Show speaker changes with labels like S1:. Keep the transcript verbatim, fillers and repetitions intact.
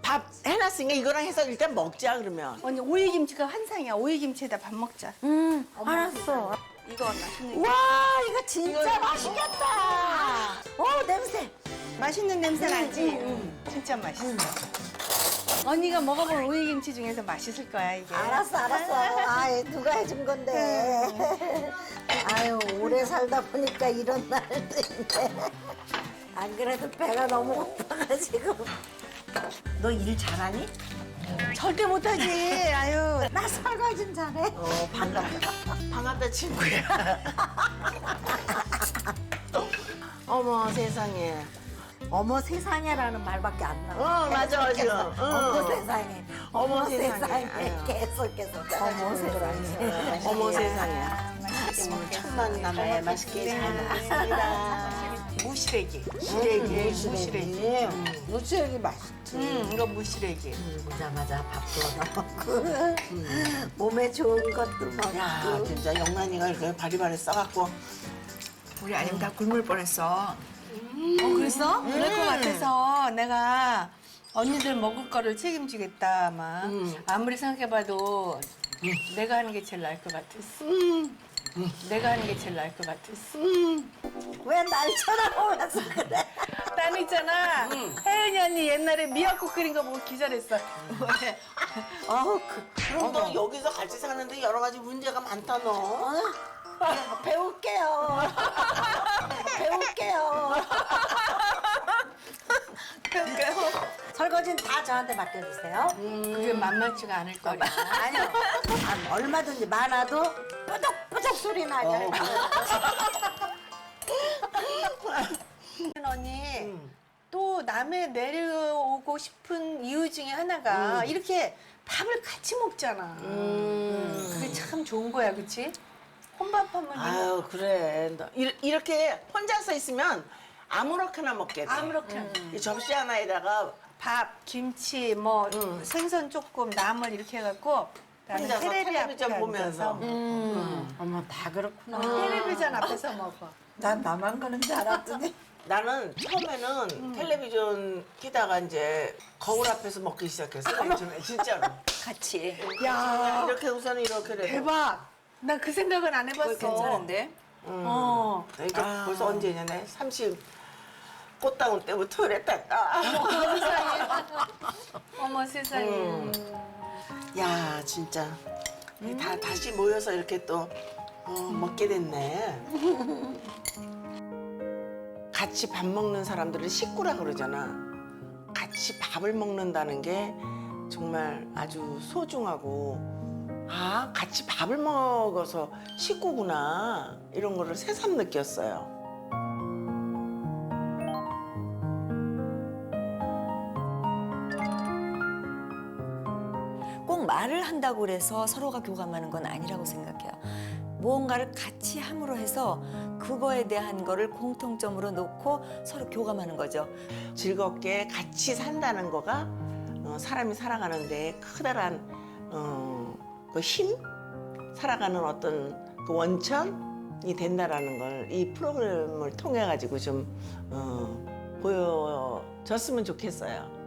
S1: 밥 해놨으니까 이거랑 해서 일단 먹자 그러면.
S2: 언니 오이김치가 한상이야. 오이김치에다 밥 먹자.
S3: 음, 알았어.
S2: 이거 맛있는
S3: 와, 이거 진짜 맛있겠다. 어, 냄새.
S2: 맛있는 냄새 나지? 진짜 맛있어. 언니가 먹어본 오이김치 중에서 맛있을 거야 이게.
S3: 알았어, 알았어. 아, 누가 해준 건데. 아유, 오래 살다 보니까 이런 날도 있네. 안 그래도 배가 너무 고파가지고. 너 일 잘하니?
S2: 절대 못하지. 아유.
S3: 나 설거지는 잘해.
S1: 어 반갑다. 반갑다 친구야. 어머 세상에.
S3: 어머 세상에라는 말밖에 안 나와.
S1: 어, 맞아, 맞아.
S3: 계속,
S1: 어.
S3: 어머 세상에.
S1: 어머
S3: 어머
S1: 세상에.
S3: 세상에.
S1: 아유.
S3: 계속 계속. 어머 세상에.
S1: 어머 세상에.
S2: 맛있게 먹겠어.
S1: 첫 만남에 맛있게 잘 먹겠습니다.
S2: 무시래기.
S1: 시래기.
S2: 무시래기.
S3: 무치하기 맛있지.
S2: 음, 이거 무시래기.
S3: 오자마자 밥도 넣고 몸에 좋은 것도 먹고.
S1: 야 진짜 영란이가 이렇게 바리바리 써갖고.
S4: 우리 아니면 다 굶을 뻔했어.
S2: 어, 그랬어? 그럴 것 같아서 내가 언니들 먹을 거를 책임지겠다 아마.
S1: 음.
S2: 아무리 생각해봐도 내가 하는 게 제일 나을 것 같았어. 내가 하는 게 제일 나을 것 같았어.
S3: 왜 날 쳐다보면서 그래?
S2: 난 있잖아. 혜연이 언니 옛날에 미역국 끓인 거 보고 기절했어.
S3: 어우, 그,
S1: 그럼 너 여기서 같이 사는데 여러 가지 문제가 많다 너.
S3: 어? 배울게요. 배울게요. 설거지는 다 저한테 맡겨주세요.
S2: 그게 만만치가 않을 거야.
S3: 아니요. 아, 얼마든지 많아도 뿌덕뿌덕 소리 나게.
S1: 어,
S2: 언니 또 남해 내려오고 싶은 이유 중에 하나가 이렇게 밥을 같이 먹잖아. 그게 참 좋은 거야, 그치? 혼밥하면
S1: 아유 그래. 너 이- 이렇게 혼자서 있으면 아무렇게나 먹게 돼.
S2: 아무렇게나.
S1: 이 접시 하나에다가
S2: 밥, 김치, 뭐 생선 조금, 나물 이렇게 해갖고 나는
S1: 혼자서
S2: 테레비 앞에
S1: 텔레비전 보면서.
S2: 앉아서
S3: 음. 어머, 다 그렇구나.
S2: 텔레비전 앞에서 먹어.
S3: 난 나만 그런 줄 알았더니.
S1: 나는 처음에는 텔레비전 키다가 이제 거울 앞에서 먹기 시작했어. 요즘에 진짜로.
S4: 같이.
S2: 야,
S1: 이렇게 우선 이렇게 돼.
S2: 대박. 나 그 생각은 안 해봤어.
S4: 그거 괜찮은데?
S2: 어.
S1: 그러니까 벌써 언제냐네. 삼십 꽃다운 때부터 그랬단다.
S2: 세상에. 어머 세상에.
S1: 음. 야 진짜 다 다시 모여서 이렇게 또 어, 먹게 됐네. 같이 밥 먹는 사람들을 식구라 그러잖아. 같이 밥을 먹는다는 게 정말 아주 소중하고 아 같이 밥을 먹어서 식구구나 이런 거를 새삼 느꼈어요.
S5: 꼭 말을 한다고 해서 서로가 교감하는 건 아니라고 생각해요. 무언가를 같이 함으로 해서 그거에 대한 거를 공통점으로 놓고 서로 교감하는 거죠.
S1: 즐겁게 같이 산다는 거가 어, 사람이 살아가는데 커다란 어, 그 힘, 살아가는 어떤 그 원천이 된다라는 걸 이 프로그램을 통해 가지고 좀 어, 보여줬으면 좋겠어요.